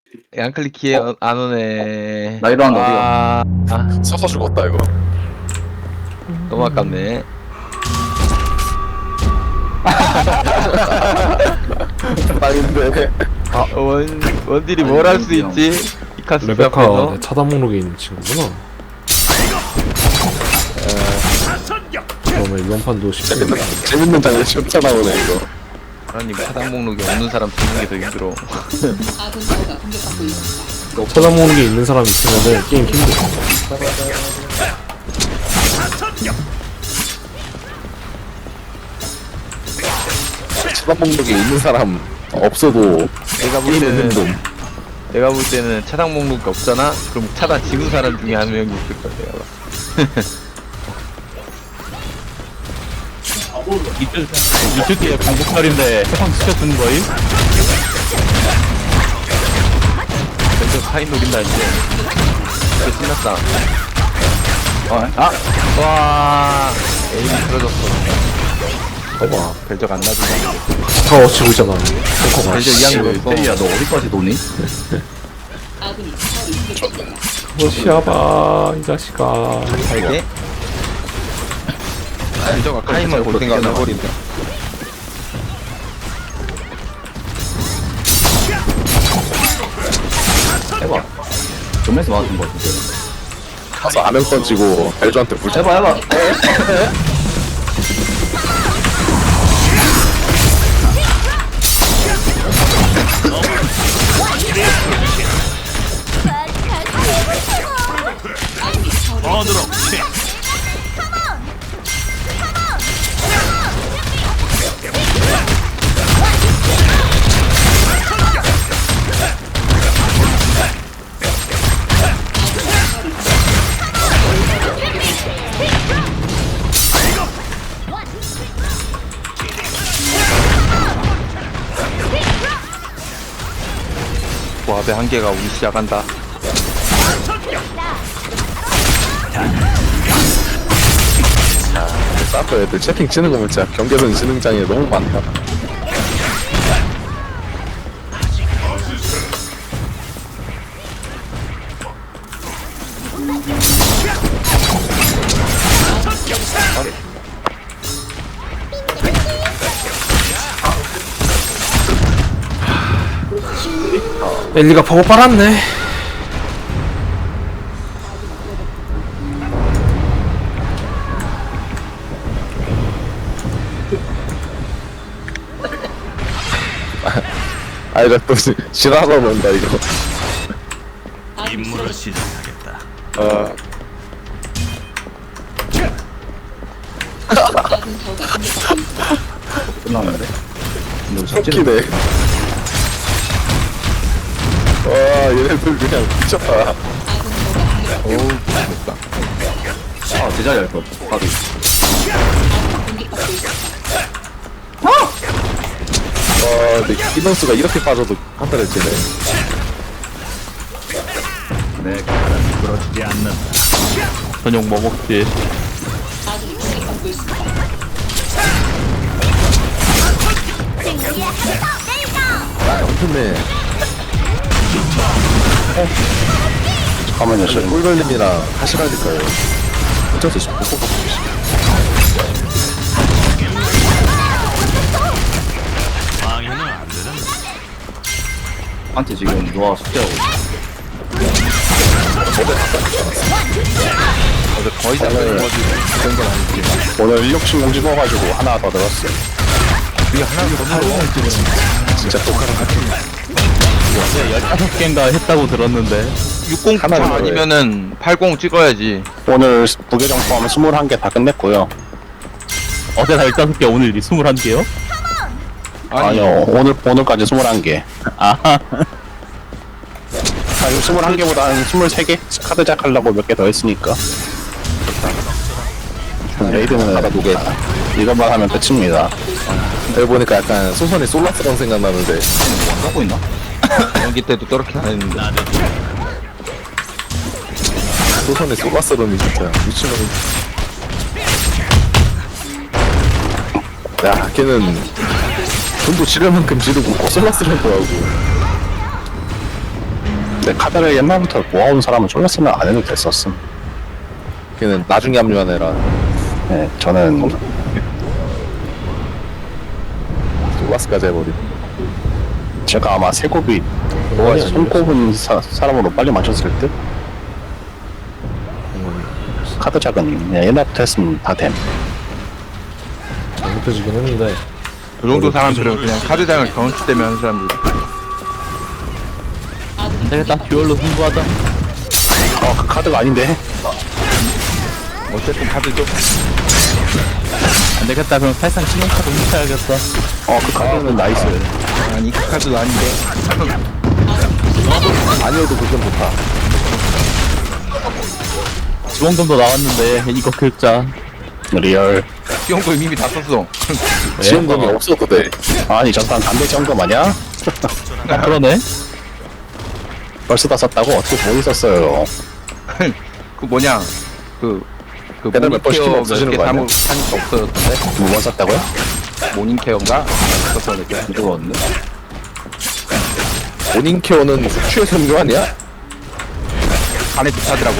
양클릭 키에 안 오네. 나이로 한 아, 서서 죽었다 이거. 너무 아깝네. 아닌데. 원딜이 뭘 할 수 있지? 이카스 레베카 앞에서. 내 차단 목록에 있는 친구구나. 그러면 이번 판도 쉽게 재밌는 장면 진짜 나오네 이거. 하나님 차단 목록이 없는 사람 쓰는 게 더 힘들어. 차단 목록에 있는 사람이 있으면은 게임 힘들어. 차단 목록에 있는 사람 없어도 내가 볼 게임은 때는 힘듦. 내가 볼 때는 차단 목록이 없잖아. 그럼 차단 지운 사람 중에 한 명이 있을 거야. 내가 봐. 이틀 뒤에 공복날인데 해방 시켜주는 거임? 먼저 카인 노린다 이제. 이제 신났다. 와, 에임이 틀어졌어. 봐봐. 벨적 안 놔준다. 다 어치고 있잖아. 탱커가. 벨적 이양 눌렀어. 야, 너 어디까지 도니? 어시아봐 이 자식아. 알게? 벨적 카인만 볼 생각 안 해버린다. 해봐. 점에서 맞은 거 같은데. 가서 아명 던지고 벨조한테 불. 해봐. 와배 한 개가 우리 시작한다. 사프 애들 채팅 치는 거 보면 진짜 경계선 지능장애 너무 많다. 엘리가 보고 빨았네. 아 이거 또 지나서 논다 이거. 임무를 시작하겠다. 끝났는데. 웃기네. 와 얘네들 그냥 미쳤다. 어우, 됐다. 아, 제자리 할 거. 가비. 와 근데 인원수가 이렇게 빠져도 한 달을 지네. 내 칼은 부러지지 않는다. 저녁 뭐 먹지? 엄청네. 잠깐만요, 저 꿀걸림이랑 하시라니까요. 어쩔 수 없어. 방해는 안 되는데. 한테 지금 누가 숙제하고 있어. 어제 거의 다 끝난 거지. 그런 건 아니지. 오늘 인력신공 찍어가지고 하나 더 들었어요. 우리 하나 더 넣어. 진짜 똑같은 같은. 15개인가 했다고 들었는데 60 하나 넣어요. 아니면은 80 찍어야지. 오늘 부계정 포함 21개 다 끝냈고요. 어제 다 15개 오늘 21개요? 아니요, 오늘까지 21개. 아하 아, 21개보다 한 23개? 카드 작하려고 몇 개 더 했으니까. 레이드는 하나 두 개. 이것만 하면 끝입니다. 여기 보니까 약간 소선이 솔라스랑 생각나는데. 안 갖고 있나? 연기 때도 저렇게 안 했는데. 소선이 솔라스러니 진짜 미친놈이. 야 걔는 돈도 지를 만큼 지르고 꼭 솔라스를 하더라고. 근데 카드를 옛날부터 모아온 사람은 쫄렸으면 안 해도 됐었음. 걔는 나중에 합류한 애라 네, 저는 솔라스까지 해버린. 제가 아마 세곱이 손꼽은 사람으로 빨리 맞췄을 듯? 카드 작은 그냥 옛날부터 했으면 다 됨. 잘못해지긴 했는데 그 정도 사람들은 그냥 카드장을 경험치 때문에 하는 사람들. 안 되겠다. 듀얼로 승부하자. 그 카드가 아닌데? 어쨌든 카드죠. 안 되겠다. 그럼 사실상 신용카드 훔쳐야겠어. 그 카드는 나이스. 아니 그 카드도 아닌데. 아니어도 그건 좋다. 지원금도 나왔는데 이거 긁자. 리얼. 지원금 이미 다 썼어. 지원금이 없어도 돼. 아니 전판 담배 지원금 아니야? 아, 그러네. 벌써 다 썼다고? 어떻게 못 썼어요? 그 뭐냐 그 배달 몇 번씩 모닝케어 없어지는 몇개 거 아니야? 하니까 없어졌던데. 2번 썼다고요? 모닝케어인가? 없었었는데. 이거 없네. 모닝케어는 숙취해서 하는 거 아니야? 간에 비싸더라고.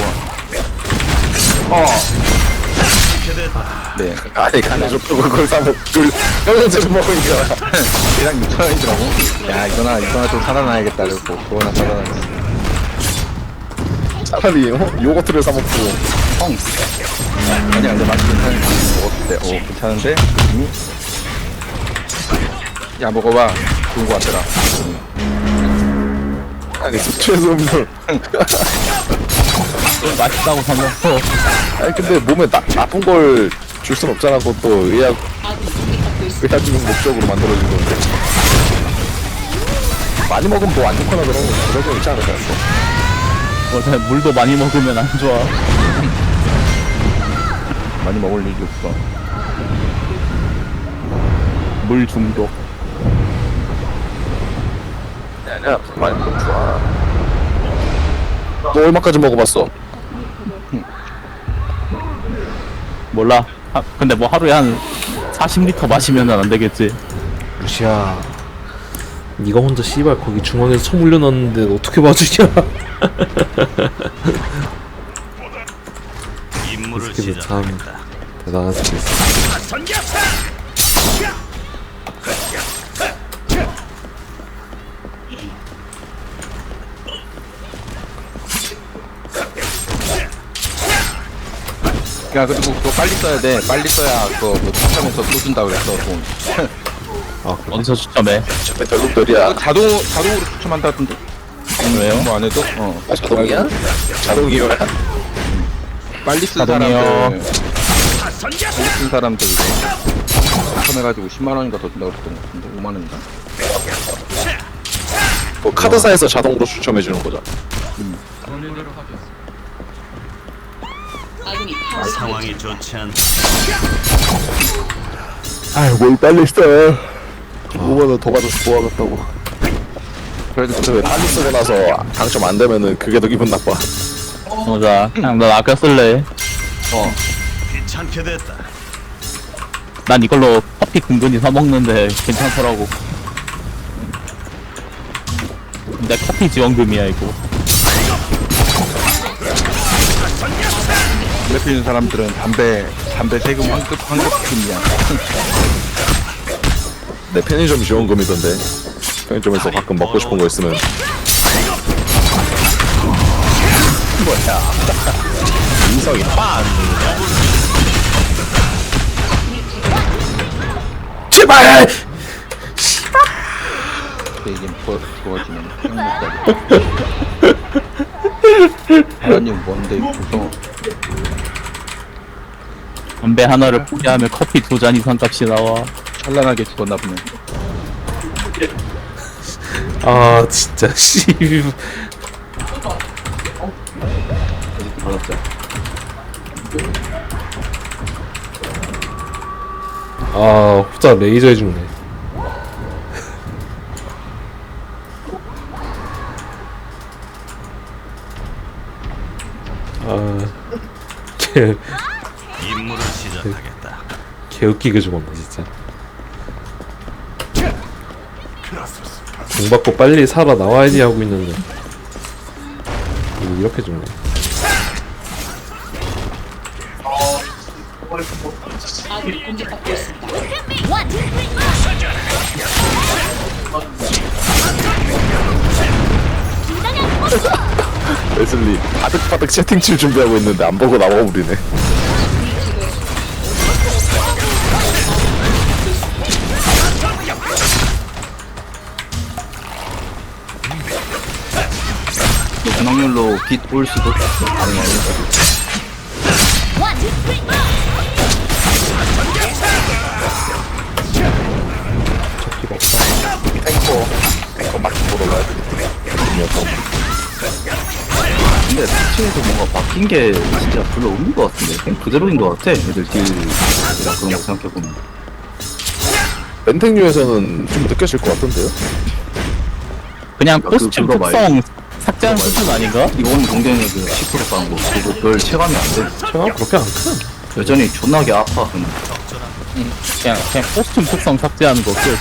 네. 아니 간에 좋고 그걸 사먹 뼈전제를 먹으니까 그냥 6,000원이더라고. 야 이거나 좀 사다 놔야겠다. 그래서 그거나 사다 놨어. 차라리 요거트를 사먹고. 아니야 근데 맛이 괜찮은데 먹었을 때 괜찮은데 느낌이. 야 먹어봐. 좋은 거 같더라. 아니 숙취해서 음료. 맛있다고 사먹어. 아니 근데 몸에 나쁜 걸 줄 순 없잖아. 그것도 의학적인 목적으로 만들어진 건데. 많이 먹으면 뭐 안 좋거나 그런 거 있지 않을까? 맞아. 물도 많이 먹으면 안 좋아. 많이 먹을 일이 없어. 물 중독. 아니야 많이 먹으면 좋아. 너 얼마까지 먹어봤어? 몰라. 근데 뭐 하루에 한 40리터 마시면 안 되겠지. 루시야 니가 혼자 씨발 거기 중앙에서 총 올려놨는데 어떻게 봐주냐. 임무를 새끼들 참 시작하겠다. 대단한 새끼 있어. 야 그리고 그거 빨리 써야 돼. 빨리 써야 그거 뭐 추첨해서 또 준다 그랬어 돈. 아 그래? 어디서 추첨해? 저때 결국들이야. 그거 자동으로 추첨한다던데. 왜요? 뭐 안 해도? 자동이야? 자동이야? 빨리 쓴 자동이요. 사람들. 빨리 쓴 사람들 이거 추첨해가지고 10만 원인가 더 준다 그랬던 것 같은데 5만 원인가? 뭐 카드사에서 자동으로 추첨해주는 거잖아. 상황이 좋지 않다. 아유 뭘 빨리 써. 5만원 더 받아서 모아갔다고. 그래도 근데 왜 빨리 쓰고 나서 당첨 안 되면은 그게 더 기분 나빠. 맞아. 그냥 넌 아껴 쓸래. 귀찮게 됐다. 난 이걸로 커피 근근히 사 먹는데 괜찮더라고. 근데 커피 지원금이야 이거. 담배 피우는 사람들은 담배 세금 환급금이야. 내 편의점 지원금이던데. 편의점에서 가끔 먹고 싶은 거 있으면. 인성이 빵! 제발! 근데 이게 부어지면 행복하게. 하나님 뭔데 무서워. 담배 하나를 포기하면 커피 2잔 이상 값이 나와. 찬란하게 죽었나 보네. 아 진짜 씨. 아 후자 레이저 해주네. 개 임무를 시작하겠다. 개웃기게 죽었네 진짜. 공 받고 빨리 살아 나와야지 하고 있는데 뭐 이렇게 죽네. 웨슬리 바득바득 채팅칠 준비하고 있는데 안 보고 나와버리네. 분홍률로 빛 올 수도 있어. 아니 아니. 적기가 없다. 탱커 막 보러 가야 돼. 근데 피치에서 뭔가 바뀐 게 진짜 별로 없는 것 같은데 그냥 그대로인 것 같아. 애들 딜이랑 그런 거 생각해보면. 멘탱류에서는 좀 느껴질 것 같던데요? 그냥 그- 코스튬 그거 특성 삭제한 수준 아닌가? 이건 공대에 그 10% 까는 거 그거 별 체감이 안 돼. 체감 그렇게 안 큰. 여전히 존나게 아파 그냥. 그냥 코스튬 특성 삭제하는 거 끝.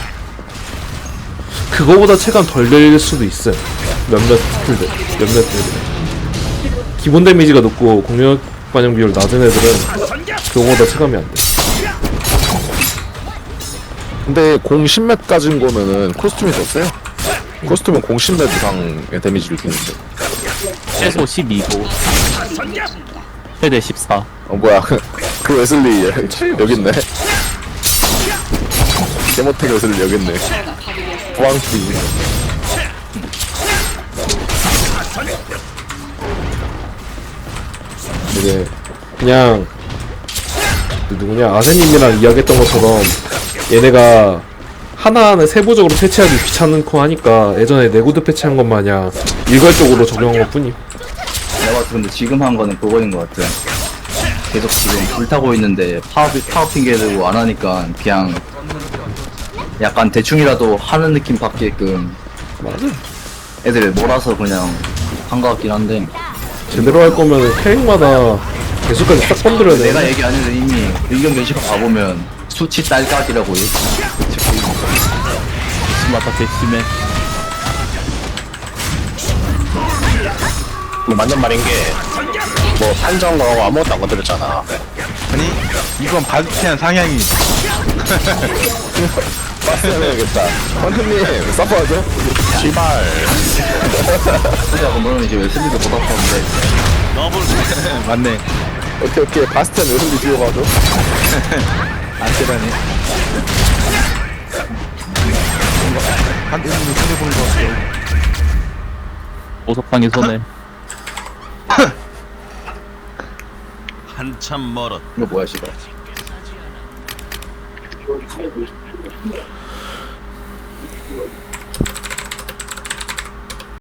그거보다 체감 덜 될 수도 있어요. 몇몇 스킬들, 몇몇 애들. 기본 데미지가 높고 공격 반영 비율 낮은 애들은 그거보다 체감이 안 돼. 근데 공 10렙 까진 거면은 코스튬이 더 세요. 코스튬은 공 10렙 이상의 데미지를 주는데. 최소 12고 최대 14. 뭐야 그 웨슬리 여기 있네. 개모텔 웨슬리 여기 있네. 부왕피. 이제 그냥 그 누구냐 아세님이랑 이야기했던 것처럼 얘네가 하나하나 세부적으로 패치하기 귀찮고 하니까 예전에 내구도 패치한 것 마냥 일괄적으로 적용한 것 뿐임. 내가 봤을 때 근데 지금 한 거는 그거인 것 같아. 계속 지금 불타고 있는데 파워 핑계 들고 안 하니까 그냥 약간 대충이라도 하는 느낌 받게끔 애들 몰아서 그냥 한 것 같긴 한데 제대로 할 거면 캐릭마다 개수까지 싹 건드려야 돼. 내가 얘기 안 해도 이미 의견 게시판 가보면 수치 딸깍이라고 맞다 대심해. 맞는 말인 게 뭐 판정하고 아무것도 안 건드렸잖아. 아니 이건 바스티안 상향이 해야겠다. 황금님 서퍼하죠? 씨발. 수지하고 그러면 이제 웨슬리도 못 아팠는데 맞네. 오케이 바스티안 웨슬리 뒤로 가죠. 안테라네. 한 1분을 손해보는 것 같아. 보석상의 손에. 한참 멀었. 이거 뭐야 씨발.